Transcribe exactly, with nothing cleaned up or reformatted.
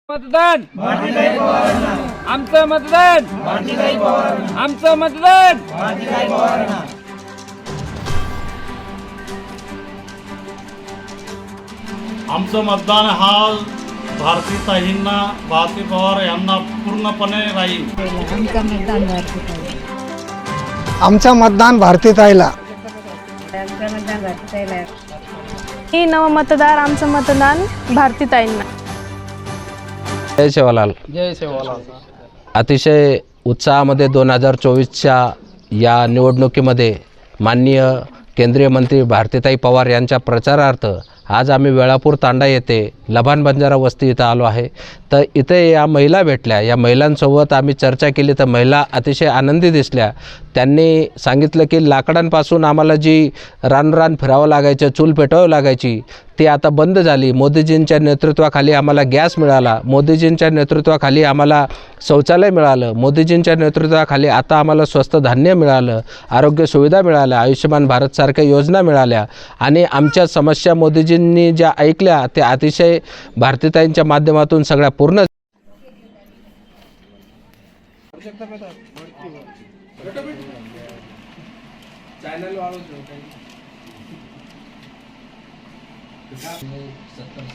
मतदान आमचं मतदान आमचं मतदान आमचं मतदान हा भारतीताईंना भारती पवार यांना पूर्णपणे राहील. आमचं मतदान भारतीताई आमचं मतदान भारतीताईला. आमचं मतदान भारतीताईला. ही नवमतदार आमचं मतदान भारतीताईंना. जय सेवालाल. जय सेवालाल. अतिशय उत्साहामध्ये दोन हजार चोवीसच्या या निवडणुकीमध्ये माननीय केंद्रीय मंत्री भारतीताई पवार यांच्या प्रचारार्थ आज आम्ही वेळापूर तांडा येथे लभान बंजारा वस्ती इथं आलो आहे. तर इथे या महिला भेटल्या. या महिलांसोबत आम्ही चर्चा केली तर महिला अतिशय आनंदी दिसल्या. त्यांनी सांगितलं की लाकडांपासून आम्हाला जी रानरान फिरावं लागायचं, चूल पेटवावं लागायची, ती आता बंद झाली. मोदीजींच्या नेतृत्वाखाली आम्हाला गॅस मिळाला. मोदीजींच्या नेतृत्वाखाली आम्हाला शौचालय मिळालं. मोदीजींच्या नेतृत्वाखाली आता आम्हाला स्वस्त धान्य मिळालं, आरोग्य सुविधा मिळाल्या, आयुष्यमान भारतसारख्या योजना मिळाल्या आणि आमच्या समस्या मोदीजींनी ज्या ऐकल्या त्या अतिशय भारतीताईंच्या माध्यमातून सगळ्या पूर्ण चॅनल